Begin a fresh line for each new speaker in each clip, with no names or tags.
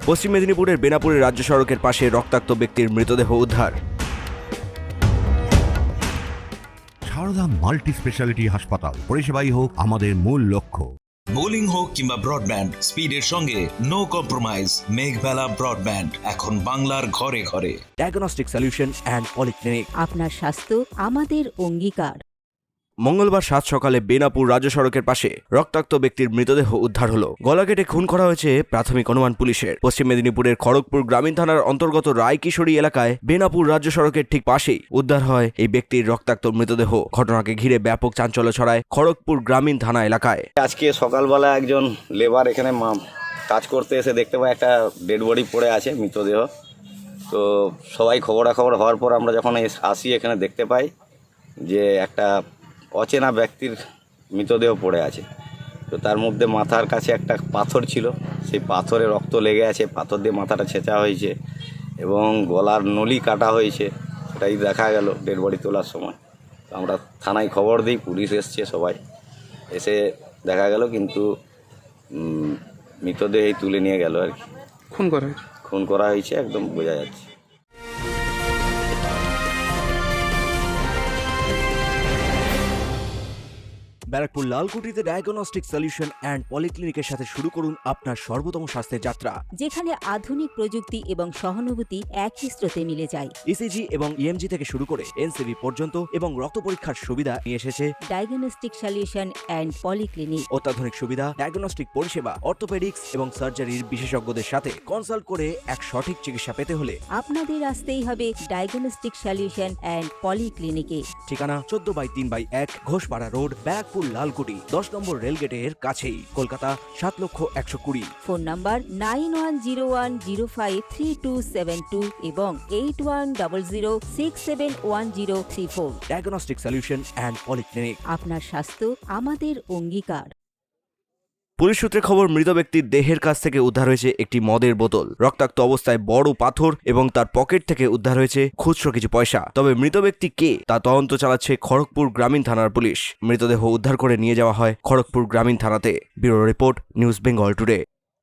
পশ্চিম মেদিনীপুরের বেনাপুরের রাজ্য সড়কের পাশে রক্তাক্ত ব্যক্তির মৃতদেহ উদ্ধার।
সারদা মাল্টি স্পেশালিটি হাসপাতাল, পরিষেবাই হোক আমাদের মূল লক্ষ্য।
বোলিং হোক কিংবা ব্রডব্যান্ড, স্পিডের সঙ্গে নো কম্প্রোমাইজ। মেঘবেলা ব্রডব্যান্ড এখন বাংলার ঘরে ঘরে।
Diagnostic solution and polyclinic.
আপনার স্বাস্থ্য আমাদের অঙ্গীকার।
মঙ্গলবার সাত সকালে বেনাপুর রাজ্য সড়কের পাশে রক্তাক্ত ব্যক্তির মৃতদেহ উদ্ধার হলো। গলা কেটে খুন করা হয়েছে প্রাথমিক অনুমান পুলিশের। পশ্চিম মেদিনীপুরের খড়গপুর গ্রামীণ থানার অন্তর্গত রায়কিশোরী এলাকায় বেনাপুর রাজ্য সড়কের ঠিক পাশেই উদ্ধার হয় এই ব্যক্তির রক্তাক্ত মৃতদেহ। ঘটনাকে ঘিরে ব্যাপক চাঞ্চল্য ছড়ায় খড়গপুর গ্রামীণ থানা এলাকায়।
আজকে সকালবেলা একজন লেবার এখানে কাজ করতে এসে দেখতে পাই একটা ডেড বডি পড়ে আছে, মৃতদেহ। তো সবাই খবরাখবর হওয়ার পর আমরা যখন আসি এখানে দেখতে পাই যে একটা অচেনা ব্যক্তির মৃতদেহ পড়ে আছে। তো তার মধ্যে মাথার কাছে একটা পাথর ছিল, সেই পাথরে রক্ত লেগে আছে, পাথর দিয়ে মাথাটা ছেঁচা হয়েছে এবং গলার নলি কাটা হয়েছে, সেটাই দেখা গেল ডেড বডি তোলার সময়। তো আমরা থানায় খবর দিই, পুলিশ এসছে, সবাই এসে দেখা গেল কিন্তু মৃতদেহই তুলে নিয়ে গেল আর কি। খুন করা হয়েছে একদম বোঝা যাচ্ছে।
ব্যারাকপুর লালকুটিতে ডায়াগনস্টিক সলিউশন অ্যান্ড পলিক্লিনিকের সাথে শুরু করুন আপনার সর্বোত্তম স্বাস্থ্যের যাত্রা,
যেখানে আধুনিক প্রযুক্তি এবং সহানুভূতি একই স্রোতে মিলে যায়।
ইসিজি এবং ইএমজি থেকে শুরু করে এনসিবি পর্যন্ত এবং রক্ত পরীক্ষার সুবিধা নিয়ে এসেছে
ডায়াগনস্টিক সলিউশন অ্যান্ড পলিক্লিনিক।
অত্যাধুনিক সুবিধা, ডায়াগনস্টিক পরিষেবা, অর্থোপেডিক্স এবং সার্জারির বিশেষজ্ঞদের সাথে কনসাল্ট করে এক সঠিক চিকিৎসা পেতে হলে
আপনাদের আসতেই হবে ডায়াগনস্টিক সলিউশন অ্যান্ড পলিক্লিনিকে।
ঠিকানা 14/3/1 ঘোষপাড়া রোড, ব্যারাকপুর লালকুটি, 10 নম্বর রেলগেটের কাছেই, কলকাতা 7,120,000।
ফোন নাম্বার 9101053272 এবং 8100671034।
Diagnostic solution and polyclinic.
আপনার স্বাস্থ্য আমাদের অঙ্গীকার।
পুলিশ সূত্রে খবর, মৃত ব্যক্তির দেহের কাছ থেকে উদ্ধার হয়েছে একটি মদের বোতল, রক্তাক্ত অবস্থায় বড় পাথর এবং তার পকেট থেকে উদ্ধার হয়েছে খুচরো কিছু পয়সা। তবে মৃত ব্যক্তি কে তা তদন্ত চালাচ্ছে খড়গপুর গ্রামীণ থানার পুলিশ। মৃতদেহ উদ্ধার করে নিয়ে যাওয়া হয় খড়গপুর গ্রামীণ থানাতে। Bureau report, news Bengal today.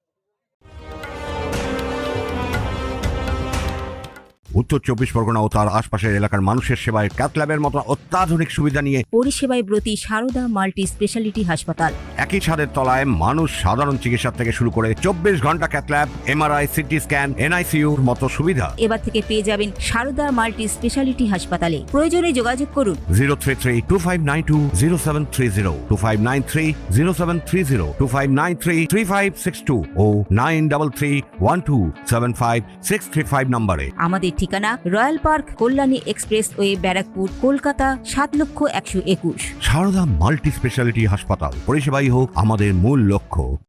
উত্তর 24 পরগনা ও তার আশপাশের এলাকার মানুষের সেবায় ক্যাথল্যাবের মতো অত্যাধুনিক সুবিধা নিয়ে
পরিষেবায় ব্রতী সারদা মাল্টি স্পেশালিটি হাসপাতাল।
একই ছাদের তলায় মানুষ সাধারণ চিকিৎসা থেকে শুরু করে 24 ঘন্টা ক্যাথল্যাব, এমআরআই, সিটি স্ক্যান, এনআইসিইউর মতো সুবিধা
এবার থেকে পেয়ে যাবেন সারদা মাল্টি স্পেশালিটি হাসপাতালে। প্রয়োজনে যোগাযোগ করুন
033-2592-0730, 2593-0730, 2593-3562 ও 9331275635 নম্বরে।
আমাদের ঠিকানা Royal Park, Kalyani Expressway, Barrackpore, Kolkata 7,121,000।
Sarada multi speciality হাসপাতাল, পরিষেবাই হোক আমাদের মূল লক্ষ্য।